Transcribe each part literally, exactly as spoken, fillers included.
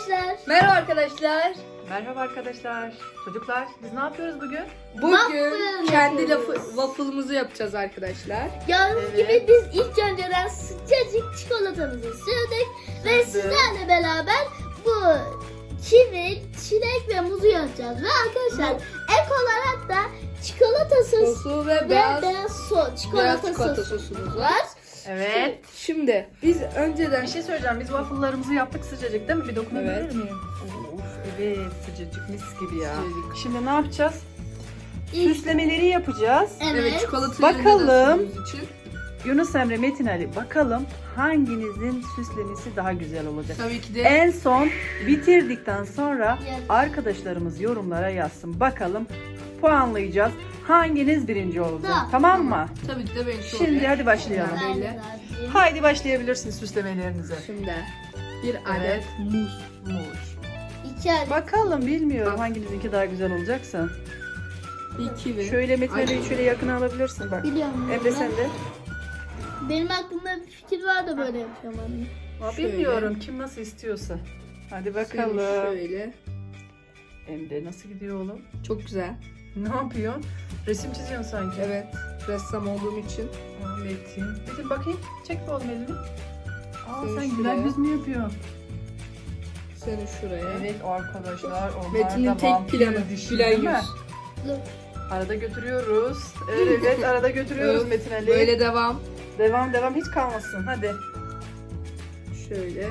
arkadaşlar. Merhaba arkadaşlar. Merhaba arkadaşlar. Çocuklar biz ne yapıyoruz bugün? Bugün Waffle kendi yapıyoruz. lafı, waffle'ımızı yapacağız arkadaşlar. Gördüğünüz Evet. gibi biz ilk önceden sıcacık çikolatamızı sürdük ve Sürdük. sizlerle beraber bu kivi, çilek ve muzu yapacağız. Ve arkadaşlar ek olarak da çikolata sosu Sosu ve ve beyaz, beyaz, so beyaz çikolata, çikolata sosu sosumuz var. var. Evet. Şimdi biz önceden Bir şey söyleyeceğim. Biz waffle'larımızı yaptık sıcacık değil mi? Bir dokunabilir Evet. miyim? Of, evet sıcacık mis gibi ya. Sıcacık. Şimdi ne yapacağız? İlk- Süslemeleri yapacağız. Evet. evet çikolatayı Bakalım. önceden sürdüğümüz için. Yunus Emre, Metin Ali bakalım hanginizin süslemesi daha güzel olacak? Tabii ki de En son bitirdikten sonra Evet. arkadaşlarımız yorumlara yazsın. Bakalım puanlayacağız. Hanginiz birinci olacak? Tamam. Tamam mı? tabii ki de benimki Şimdi olacak. hadi başlayalım. Ben de Böyle. razıyım. Haydi başlayabilirsiniz süslemelerinize. Şimdi bir adet Evet. muz. Muz. İki adet. Bakalım bilmiyorum Bak. hanginizinki daha güzel olacaksa. Bir kivi. Şöyle Metin Ay. Ali'yi şöyle yakına alabilirsin bak. Biliyorum. Emre ben. sen de. Benim aklımda bir fikir var da böyle yapıyorum anne. Aa, Şöyle. bilmiyorum kim nasıl istiyorsa. Hadi Şimdi bakalım. Şöyle. Emre nasıl gidiyor oğlum? Çok güzel. Ne yapıyorsun? Resim çiziyorsun sanki. Evet. Ressam olduğum için. Aa, Metin. Metin bakayım. Çek bir oğlum elini. Aa, Şöyle sen şuraya. güzel yüz mü yapıyorsun? Seni şuraya. Evet arkadaşlar. Onlar Metin'in da tek vampir planı. dişi, Gülen değil mi? yüz. Dur. Arada götürüyoruz. Evet, evet arada götürüyoruz Öf, Metin Ali. Böyle devam. Devam devam hiç kalmasın. Hadi. Şöyle.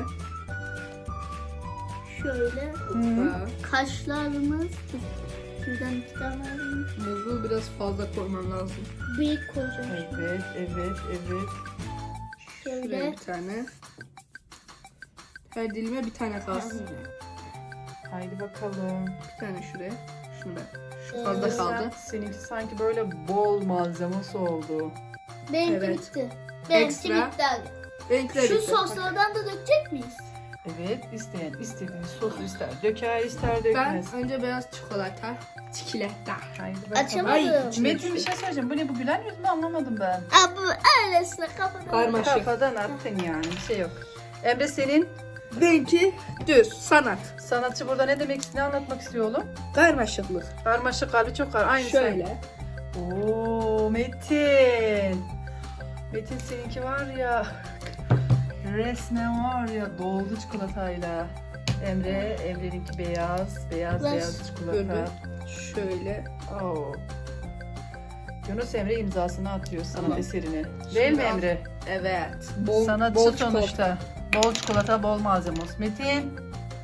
Şöyle Hoppa. kaşlarımız. Şuradan iki tane alayım. Muzu biraz fazla koymam lazım. Büyük koyacağım. Evet, evet, evet. Şuraya Şöyle. bir tane. Her dilime bir tane kalsın. Haydi bakalım. Bir tane şuraya. Şunu ben. Şu Evet. fazla kaldı. Seninki sanki böyle bol malzemesi oldu. Benimki Evet. bitti. Benimki Ekstra. bitti abi. Renkleri Şu bitti. soslardan da dökecek miyiz? Evet, isteyen istediği sosu ister. Döker, ister Ben dökmez. önce beyaz çikolata. Çikolata. Haydi bakalım. Açamadım. Ay, Metin bir şey söyleyeceğim. Bu ne bu gülen yüz mü anlamadım ben. Aa, bu öylesine kafadan. Karmaşık. Kafadan attın yani bir şey yok. Emre senin Benimki düz. Sanat. sanatçı burada ne demek ne anlatmak istiyor oğlum? Karmaşıklık. Karmaşık kalbi çok kar. Aynı Şöyle. sen. Oo Metin. Metin seninki var ya. Resmen var ya doldu çikolatayla. Emre, Emre'ninki beyaz, beyaz Ver. beyaz çikolata. Böyle. Şöyle. Oo. Yunus Emre imzasını atıyor sanat Tamam. eserine. Değil mi Şimdi al. Emre? Evet. Bol, Sanatçı bol sonuçta. çikolata. Bol çikolata, bol malzeme olsun. Metin.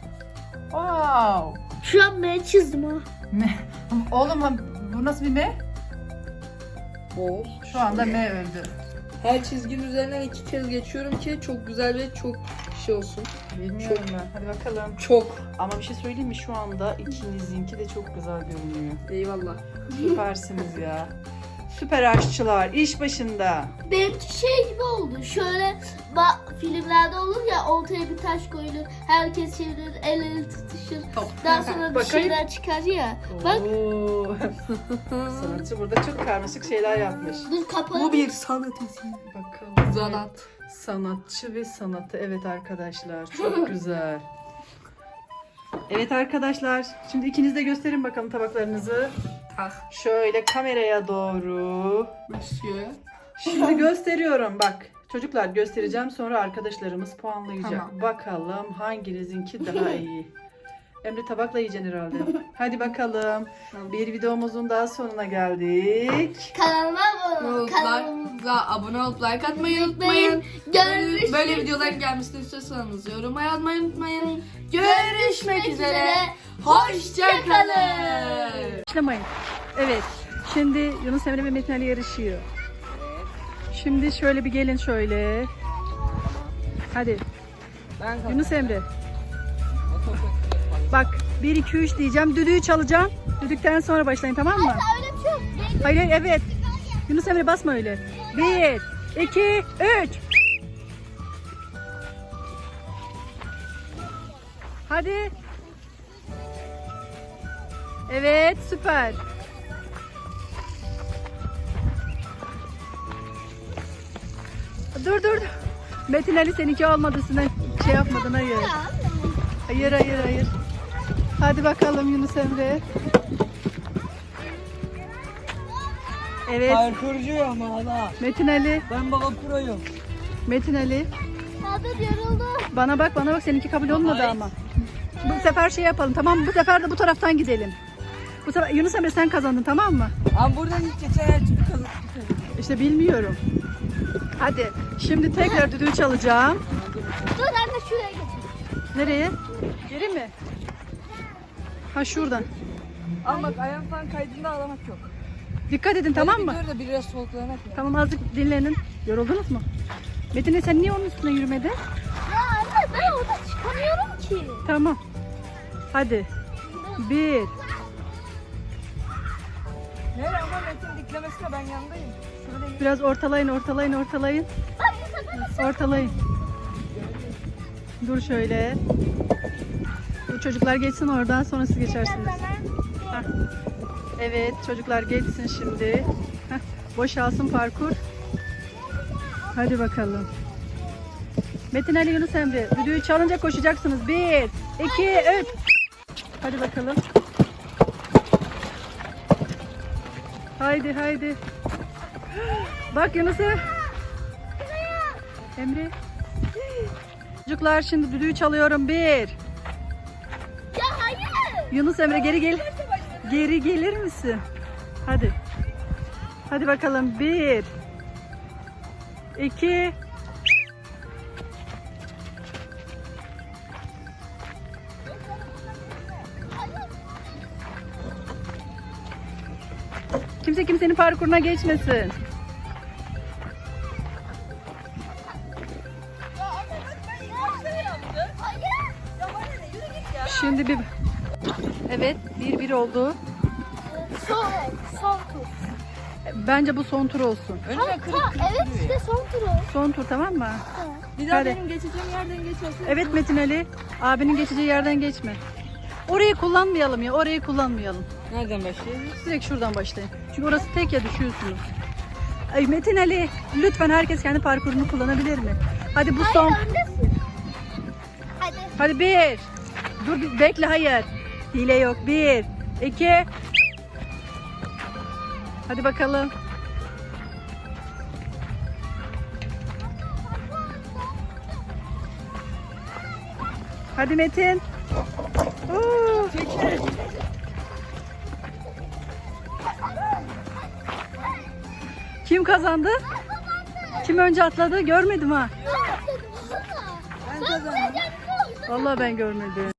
Wow. Şu an ben çizdim ha. Me- Oğlum bu nasıl bir me? Bol. Şu anda me öldü. Her çizginin üzerinden iki kez geçiyorum ki çok güzel ve çok şey olsun. Bilmiyorum ben. Hadi bakalım. Çok. Ama bir şey söyleyeyim mi? Şu anda ikinizinki de çok güzel görünüyor. Eyvallah. Süpersiniz ya. Süper aşçılar iş başında. Benimki şey gibi oldu. Şöyle ba- filmlerde olur ya ortaya bir taş koyulur. Herkes çevirir, el ele tutuşur. Top. Daha sonra bir Bakayım. şeyler çıkar ya. Bak Oo. Sanatçı burada çok karmaşık şeyler yapmış. dur kapalı. Bu bir sanat eseri. Bakalım. Sanat. Sanatçı ve sanatı. Evet arkadaşlar. Çok güzel. Evet arkadaşlar. Şimdi ikiniz de gösterin bakalım tabaklarınızı. Ah. Şöyle kameraya doğru. Monsieur. Şimdi gösteriyorum bak. Çocuklar göstereceğim sonra arkadaşlarımız puanlayacak. Tamam. Bakalım hanginizinki daha iyi. Emre tabakla yiyeceksin herhalde. Hadi bakalım. Tamam. Bir videomuzun daha sonuna geldik. Kanalıma abone olun. Kanalıma Kanalımıza abone olup like atmayı unutmayın. Görüşmek Böyle videoların gelmesini istiyorsanız yoruma yazmayı unutmayın. Görüşmek üzere. Hoşçakalın. Başlamayın. Evet. Şimdi Yunus Emre ve Metin Ali yarışıyor. Şimdi şöyle bir gelin şöyle. Hadi Ben Yunus Emre. Bak bir iki üç diyeceğim. Düdüğü çalacağım. Düdükten sonra başlayın tamam mı? öyle bir şey yok. Hayır hayır, evet. Yunus Emre basma öyle. Bir, iki, üç. Hadi. Evet süper. Dur dur. Metin Ali seninki olmadı. Sen şey yapmadın hayır. Ya, Hayır hayır hayır. Hadi bakalım Yunus Emre. Evet. Parkurcuyum ama hala. Metin Ali. Ben baba proyum. Metin Ali. Abi yoruldu. Bana bak bana bak seninki kabul olmadı ama. Bu sefer şey yapalım tamam mı? Bu sefer de bu taraftan gidelim. Bu sefer Yunus Emre sen kazandın tamam mı? Ama buradan ilk geçen her türlü kazandık. İşte bilmiyorum. Hadi şimdi tekrar düdüğü çalacağım. Dur anne şuraya geç. Nereye? Geri mi? Ha şuradan. Ama bak ayağım falan kaydığında ağlamak yok. Dikkat edin tamam mı? Bir dur da biraz soluklanak ya. Tamam azıcık dinlenin. Yoruldunuz mu? Metin Ali, sen niye onun üstüne yürümedin? Ya anne ben orada çıkamıyorum ki. Tamam. Hadi. Bir. Nereye ama Metin diklemesine ben yandayım. Şurada yürü. Biraz ortalayın ortalayın ortalayın. Bak bu sefer Ortalayın. Dur şöyle. Bu çocuklar geçsin oradan sonra siz geçersiniz. Hah. Evet çocuklar geçsin şimdi. Heh, boşalsın parkur. Hadi bakalım. Metin Ali, Yunus Emre düdüğü çalınca koşacaksınız. Bir, iki, üç. Hadi bakalım. Haydi haydi. Bak Yunus Emre. Emre. Çocuklar şimdi düdüğü çalıyorum. Bir. ya hayır. Yunus Emre geri gel. Geri gelir misin? Hadi. Hadi bakalım. Bir. İki. Kimse kimsenin parkuruna geçmesin. Şimdi bir... Evet, bir bir oldu. Son, son tur. Bence bu son tur olsun. Önüme kırık Ha, kırık evet duruyor işte ya. son turu. Son tur tamam mı? Bir daha Hadi. benim geçeceğim yerden geçersin. Evet Metin Ali, abinin geçeceği yerden geçme. Orayı kullanmayalım ya, orayı kullanmayalım. Nereden başlayayım? Direkt şuradan başlayın. Çünkü orası tek ya düşüyorsunuz. Ay Metin Ali, lütfen herkes kendi parkurunu kullanabilir mi? Hadi bu son. Hayır öndesin. Hadi. Hadi bir. Dur bir- bekle hayır. Hile yok. Bir, iki. Hadi bakalım. Hadi Metin. Oo. Kim kazandı? Kim önce atladı? Görmedim ha. Ben kazandım. Vallahi ben görmedim.